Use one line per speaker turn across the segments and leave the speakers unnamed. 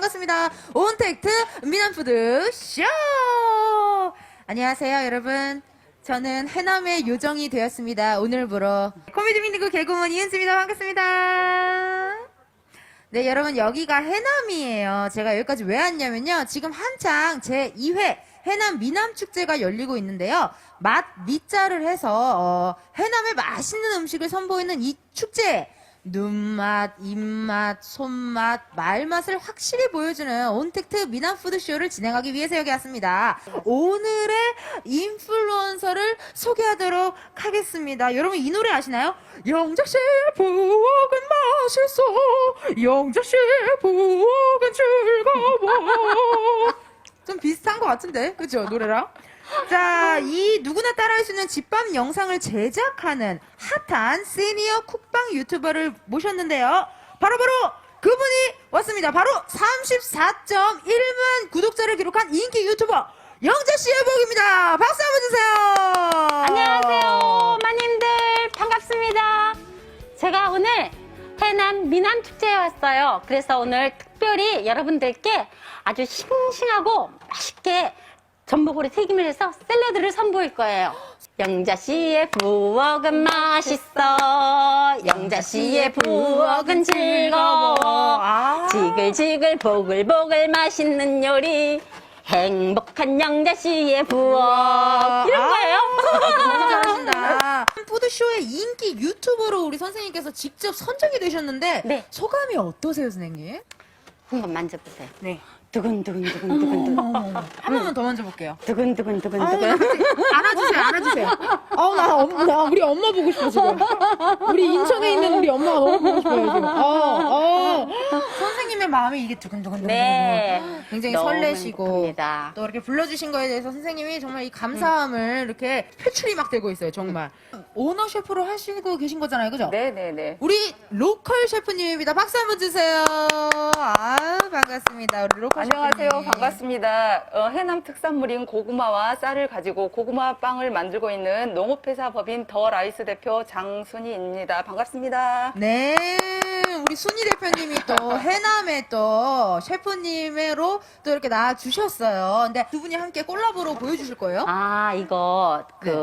반갑습니다. 온택트 미남푸드 쇼! 안녕하세요, 여러분. 저는 해남의 요정이 되었습니다. 오늘부로. 코미디 빅리그 개그우먼 이은수입니다. 반갑습니다. 네, 여러분, 여기가 해남이에요. 제가 여기까지 왜 왔냐면요. 지금 한창 제 2회 해남 미남축제가 열리고 있는데요. 맛 미자를 해서 해남의 맛있는 음식을 선보이는 이 축제. 눈맛, 입맛, 손맛, 말맛을 확실히 보여주는 온택트 미남푸드쇼를 진행하기 위해서 여기 왔습니다. 오늘의 인플루언서를 소개하도록 하겠습니다. 여러분 이 노래 아시나요? 영자씨 부엌은 맛있어, 영자씨 부엌은 즐거워. 좀 비슷한 것 같은데, 그죠? 노래랑. 자, 이 누구나 따라할 수 있는 집밥 영상을 제작하는 핫한 시니어 쿡방 유튜버를 모셨는데요. 바로바로 그분이 왔습니다. 바로 34.1만 구독자를 기록한 인기 유튜버 영자씨의 부엌입니다. 박수 한번 주세요.
안녕하세요, 마님들 반갑습니다. 제가 오늘 해남 미남축제에 왔어요. 그래서 오늘 특별히 여러분들께 아주 싱싱하고 맛있게 전복으로 튀김을 해서 샐러드를 선보일 거예요. 영자씨의 부엌은 맛있어, 영자씨의 부엌은 즐거워, 지글지글 보글보글 맛있는 요리, 행복한 영자씨의 부엌. 이런 거예요.
너무 잘하신다. 푸드쇼의 인기 유튜버로 우리 선생님께서 직접 선정이 되셨는데
네.
소감이 어떠세요, 선생님?
한번 만져보세요.
네.
두근두근두근두근.
한 번만 더 만져볼게요.
두근두근두근두근.
안아주세요, 안아주세요. 나 우리 엄마 보고 싶어, 지금. 우리 인천에 있는 우리 엄마가 너무 보고 싶어요, 지금. 선생님의 마음이 이게 두근두근.
네.
굉장히
너무
설레시고.
행복합니다.
또 이렇게 불러주신 거에 대해서 선생님이 정말 이 감사함을 이렇게 표출이 막 되고 있어요, 정말. 오너 셰프로 하시고 계신 거잖아요, 그죠?
네네네.
우리 로컬 셰프님입니다. 박수 한번 주세요. 반갑습니다. 우리 로컬
안녕하세요.
셰프님.
반갑습니다. 해남 특산물인 고구마와 쌀을 가지고 고구마 빵을 만들고 있는 농업회사 법인 더 라이스 대표 장순희입니다. 반갑습니다.
네, 우리 순희 대표님이 또 해남의 또 셰프님으로 또 이렇게 나와주셨어요. 근데 두 분이 함께 콜라보로 보여주실 거예요?
아, 이거,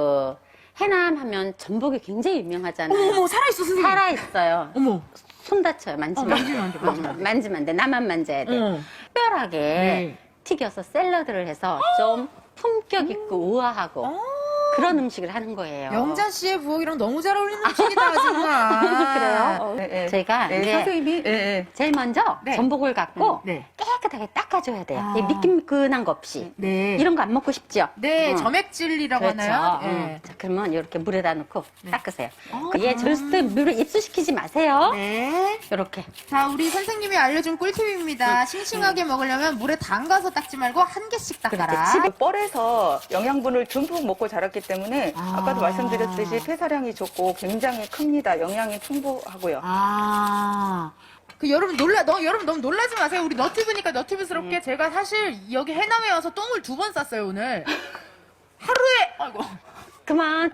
해남 하면 전복이 굉장히 유명하잖아요.
어머, 살아있어, 선생님.
살아있어요.
어머.
손 다쳐요. 만지면.
만지면 안 돼, 만지면 안 돼.
만지면 안 돼. 나만 만져야 돼. 특별하게
네.
튀겨서 샐러드를 해서 좀 품격 있고 우아하고 그런 음식을 하는 거예요.
영자 씨의 부엌이랑 너무 잘 어울리는 음식이다, 정말.
그래요?
네,
제가
네,
이제
선생님이 네,
제일 먼저
네.
전복을 갖고
네.
깨끗하게 닦아줘야 돼요.
아.
이 미끈미끈한 거 없이.
네.
이런 거 안 먹고 싶죠?
네, 점액질이라고
그렇죠.
하나요? 네.
자, 그러면 이렇게 물에다 넣고 닦으세요. 얘 절대 물을 입수시키지 마세요.
네.
이렇게.
자, 우리 선생님이 알려준 꿀팁입니다. 싱싱하게 먹으려면 물에 담가서 닦지 말고 한 개씩 닦아라.
그렇지.
뻘에서 영양분을 듬뿍 먹고 자랐기 때문에 아까도 말씀드렸듯이 폐사량이 좋고 굉장히 큽니다. 영양이 풍부하고요.
여러분 여러분 너무 놀라지 마세요. 우리 너튜브니까 너튜브스럽게 제가 사실 여기 해남에 와서 똥을 2번 쌌어요, 오늘. 하루에, 아이고.
그만.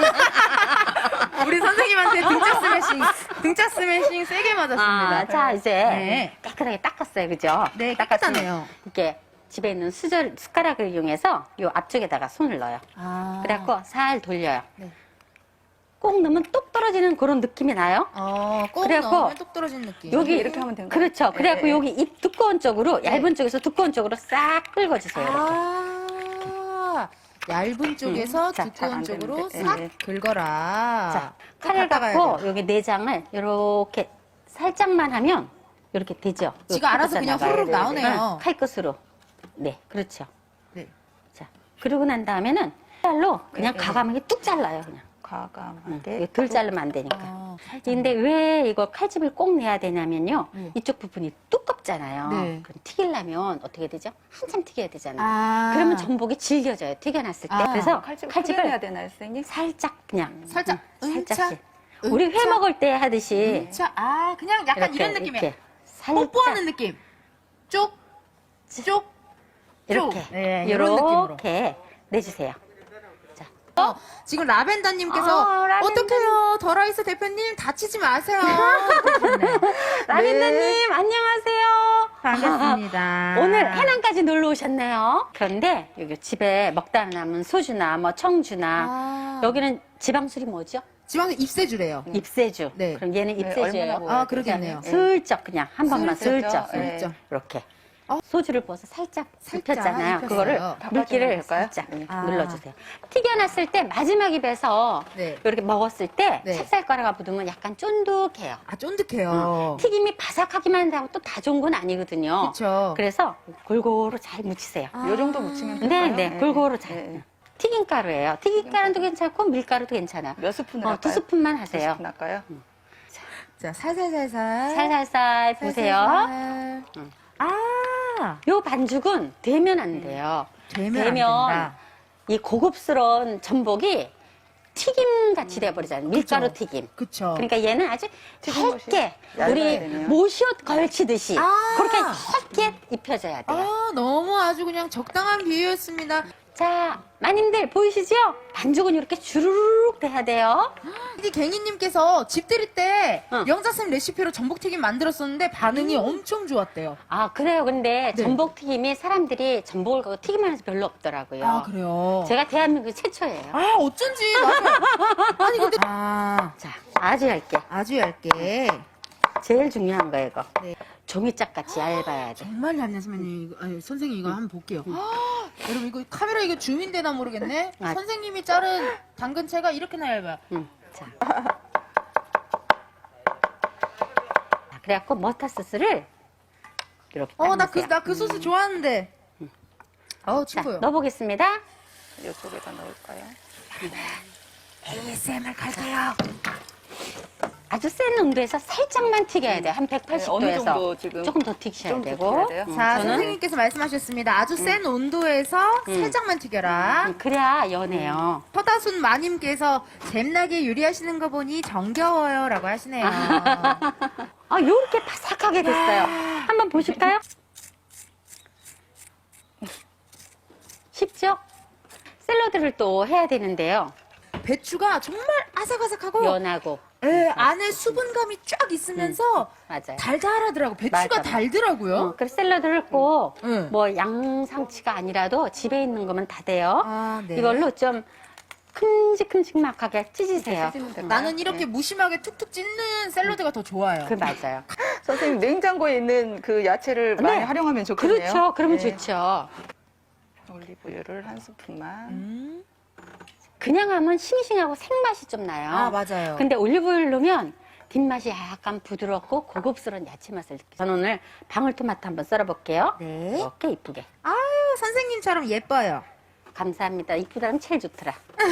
우리 선생님한테 등짝 스매싱 세게 맞았습니다.
아, 자, 이제
네.
깨끗하게 닦았어요. 그죠?
네,
닦았으면
깨끗하네요.
이렇게 집에 있는 숟가락을 이용해서 요 앞쪽에다가 손을 넣어요. 그래갖고 살 돌려요.
네.
꼭 넣으면 뚝 떨어지는 그런 느낌이 나요.
꼭
그래갖고
넣으면 뚝 떨어지는 느낌.
여기
이렇게 하면 된가요?
그렇죠.
네,
그래갖고
네.
여기 입 두꺼운 쪽으로 얇은 쪽에서 두꺼운 쪽으로 싹 긁어주세요. 이렇게.
얇은 쪽에서
자,
두꺼운
안
쪽으로
되는데.
싹
네.
긁어라.
자,
또
칼을
갔다
갖고
가야 돼요.
여기 내장을 이렇게 살짝만 하면 이렇게 되죠.
지가 알아서 그냥
나가요.
후루룩 나오네요.
칼 끝으로. 네, 그렇죠.
네.
자, 그러고 난 다음에는 칼로 그냥
네,
가감하게 뚝 잘라요, 그냥.
과감하게.
이거 덜 자르면 안 되니까.
살짝.
근데 왜 이거 칼집을 꼭 내야 되냐면요. 이쪽 부분이 두껍잖아요.
네.
그럼 튀기려면 어떻게 되죠? 한참 튀겨야 되잖아요. 그러면 전복이 질겨져요, 튀겨놨을 때. 그래서
칼집을
칼집을
해야 되나요, 선생님?
살짝 그냥.
살짝,
살짝씩.
은차,
우리 회
은차,
먹을 때 하듯이.
자, 그냥 약간
이렇게,
이런 느낌이에요.
이렇게 살짝.
뽀뽀하는 느낌. 쪽, 쪽,
이렇게.
쪽. 네, 이런 느낌으로.
이렇게 내주세요. 자,
지금 라벤더님께서
라벤더.
어떡해요 더라이스 대표님 다치지 마세요.
라벤더님 안녕하세요.
반갑습니다.
오늘 해남까지 놀러 오셨네요. 그런데 여기 집에 먹다 남은 소주나 뭐 청주나 여기는 지방술이 뭐죠?
지방은 입세주래요.
ip세주.
네.
그럼 얘는
네,
ip세주예요.
얼마나 먹어야
아, 그러겠네요.
슬쩍 그냥 한 번만
슬쩍,
슬쩍.
네.
슬쩍.
이렇게.
어?
소주를 부어서 살짝
살짝
입혔잖아요.
입혔어요.
그거를 물기를
될까요?
살짝
아.
눌러주세요. 튀겨놨을 때 마지막 입에서
네.
이렇게 먹었을 때
네.
찹쌀가루가 묻으면 약간 쫀득해요.
아 쫀득해요.
튀김이 바삭하기만 하고 또 다 좋은 건 아니거든요.
그쵸.
그래서 골고루 잘 묻히세요.
요 정도 묻히면
네,
될까요?
네, 골고루 잘.
네.
튀김가루예요. 튀김가루도 괜찮고 밀가루도 괜찮아요.
몇 스푼을
두
할까요?
스푼만
두
하세요.
스푼 할까요?
자 살살살살.
살살살 보세요.
살살. 아
요 반죽은 되면 안 돼요.
되면 안 된다.
이 고급스러운 전복이 튀김 같이 돼버리잖아요. 밀가루
그쵸.
튀김.
그쵸.
그러니까 얘는 아주
튀김옷이
얇게
얇아야
우리
되네요.
모시옷 걸치듯이
아.
그렇게 얇게 입혀져야 돼요.
아 너무 아주 그냥 적당한 비유였습니다.
자, 마님들 보이시죠? 반죽은 이렇게 주르륵 돼야 돼요.
이 갱이님께서 집 들일 때
응.
영자쌤 레시피로 전복튀김 만들었었는데 반응이 엄청 좋았대요.
아, 그래요. 근데
네.
전복 튀김이 사람들이 전복을 갖고 튀김하는 서 별로 없더라고요.
아 그래요?
제가 대한민국 최초예요.
아 어쩐지 맞아요. 아니 근데
자, 아주 얇게.
아주 얇게
제일 중요한 거예요, 이거.
네.
종이짝 같이 얇아야 돼.
정말 얇네 선생님. 이거, 아니, 선생님 이거 한번 볼게요. 아, 여러분 이거 카메라 이거 줌인되나 모르겠네.
아.
선생님이 자른 당근채가 이렇게나 얇아요.
자. 자, 그래갖고 머스타소스를 이렇게
나
따르세요.
그 소스 좋아하는데.
자,
친구요.
넣어보겠습니다.
이쪽에다 넣을까요?
ASMR 갈게요.
아주 센 온도에서 살짝만 튀겨야 돼요. 한 180도에서.
어느 정도 지금
조금 더 튀기셔야
좀 더
되고.
튀겨야 돼요?
자,
저는
선생님께서 말씀하셨습니다. 아주 센 온도에서 살짝만 튀겨라.
그래야 연해요.
허다순 마님께서 잼나게 요리하시는 거 보니 정겨워요. 라고 하시네요.
아, 요렇게 바삭하게 됐어요. 한번 보실까요? 쉽죠? 샐러드를 또 해야 되는데요.
배추가 정말 아삭아삭하고
연하고.
예, 안에 수분감이 쫙 있으면서
맞아요.
달달하더라고. 배추가
맞아.
달더라고요.
그래서 샐러드를 꼭
응.
뭐 양상치가 아니라도 집에 있는 거면 다 돼요.
아, 네.
이걸로 좀 큼직큼직하게 찢으세요.
찢으면 될까요?
나는 이렇게 무심하게 툭툭 찢는 샐러드가 더 좋아요.
그 맞아요.
선생님 냉장고에 있는 그 야채를 많이
네.
활용하면 좋겠네요.
그렇죠. 그러면
네.
좋죠.
올리브유를 한 스푼만.
그냥 하면 싱싱하고 생맛이 좀 나요.
아, 맞아요.
근데 올리브유를 넣으면 뒷맛이 약간 부드럽고 고급스러운 야채 맛을 느껴요. 저는 오늘 방울토마토 한번 썰어볼게요.
네.
이렇게 이쁘게.
아유, 선생님처럼 예뻐요.
감사합니다. 이쁘다면 제일 좋더라.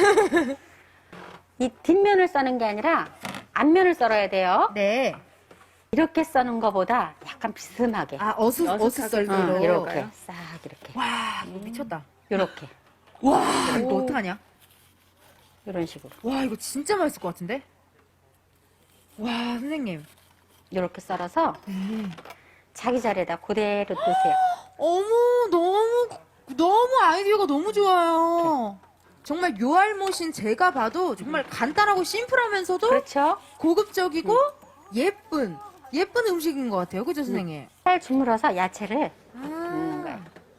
이 뒷면을 써는 게 아니라 앞면을 썰어야 돼요.
네.
이렇게 써는 것보다 약간 비스듬하게.
아, 어슷썰기로.
이렇게 싹 이렇게.
와, 이거 미쳤다.
이렇게.
와, 이거 어떡하냐?
이런 식으로.
와, 이거 진짜 맛있을 것 같은데? 와, 선생님.
이렇게 썰어서 자기 자리에다 그대로 두세요.
어머, 너무 아이디어가 너무 좋아요. 정말 요알못인 제가 봐도 정말 간단하고 심플하면서도
그렇죠?
고급적이고 예쁜 음식인 것 같아요. 그죠, 선생님?
살 주물어서 야채를
아.
넣는 거예요.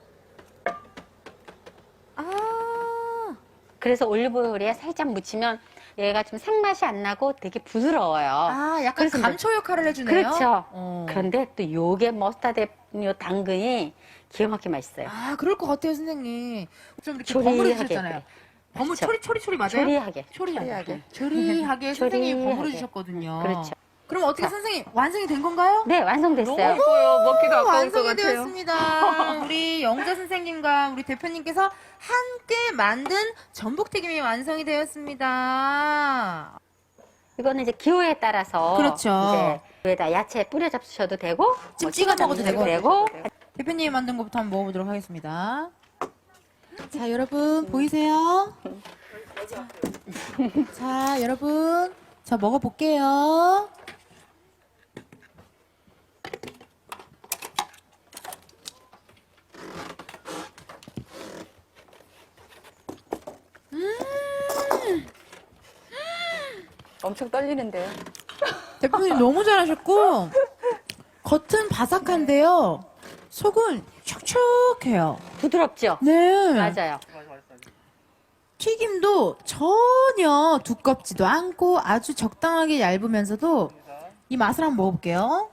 아,
그래서 올리브오일에 살짝 묻히면 얘가 좀 생맛이 안 나고 되게 부드러워요.
아, 약간
그래서
감초 역할을 해주네요.
그렇죠.
어.
그런데 또 요게 머스타드 요 당근이 기가 막히게 맛있어요.
아, 그럴 것 같아요, 선생님. 좀 이렇게
조리하게.
버무려주셨잖아요.
그렇죠.
초리 맞아요?
조리하게.
조리하게. 조리하게 선생님이
조리하게.
버무려주셨거든요.
그렇죠.
그럼 어떻게
자.
선생님 완성이 된 건가요?
네, 완성됐어요.
예뻐요. 먹기도 아까울 것
완성이
같아요.
되었습니다. 우리 영자 선생님과 우리 대표님께서 함께 만든 전복튀김이 완성이 되었습니다.
이거는 이제 기호에 따라서
그렇죠.
이제 위에다 야채 뿌려 잡수셔도 되고
지금
뭐
찍어 먹어도
되고
대표님이 만든 것부터 한번 먹어보도록 하겠습니다. 자, 여러분 보이세요? 자, 여러분. 자, 먹어볼게요.
엄청 떨리는데요.
대표님 너무 잘하셨고, 겉은 바삭한데요. 속은 촉촉해요.
부드럽죠?
네.
맞아요.
튀김도 전혀 두껍지도 않고 아주 적당하게 얇으면서도 이 맛을 한번 먹어볼게요.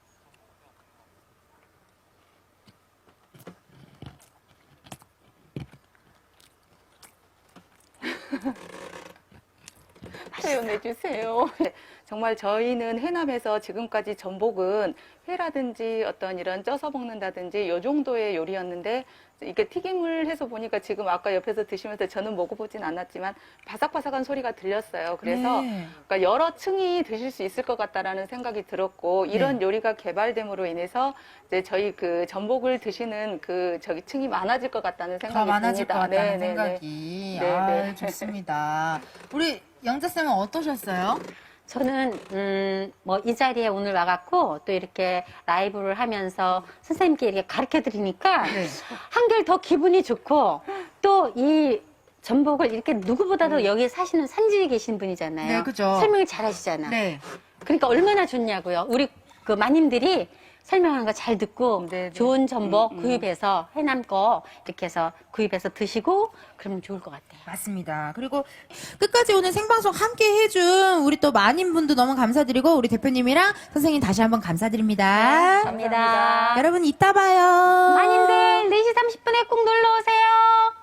표현해주세요. 정말 저희는 해남에서 지금까지 전복은 회라든지 어떤 이런 쪄서 먹는다든지 요 정도의 요리였는데 이게 튀김을 해서 보니까 지금 아까 옆에서 드시면서 저는 먹어보진 않았지만 바삭바삭한 소리가 들렸어요. 그래서
네.
그러니까 여러 층이 드실 수 있을 것 같다라는 생각이 들었고 이런
네.
요리가 개발됨으로 인해서 이제 저희 그 전복을 드시는 그 저기 층이 많아질 것 같다는
더
생각이
많아질 것
듭니다.
같다는
네, 네, 네.
생각이.
네,
아,
네.
좋습니다. 우리 영자쌤은 어떠셨어요?
저는 뭐 이 자리에 오늘 와갖고 또 이렇게 라이브를 하면서 선생님께 이렇게 가르쳐 드리니까
네.
한결 더 기분이 좋고 또 이 전복을 이렇게 누구보다도 여기 사시는 산지에 계신 분이잖아요.
네, 그죠.
설명을 잘 하시잖아.
네.
그러니까 얼마나 좋냐고요. 우리 그 마님들이 설명하는 거 잘 듣고
네, 네.
좋은 전복 구입해서 해남 거 이렇게 해서 구입해서 드시고 그러면 좋을 것 같아요.
맞습니다. 그리고 끝까지 오늘 생방송 함께 해준 우리 또 많은 분도 너무 감사드리고 우리 대표님이랑 선생님 다시 한번 감사드립니다.
감사합니다.
여러분 이따 봐요.
마님들 4시 30분에 꼭 놀러 오세요.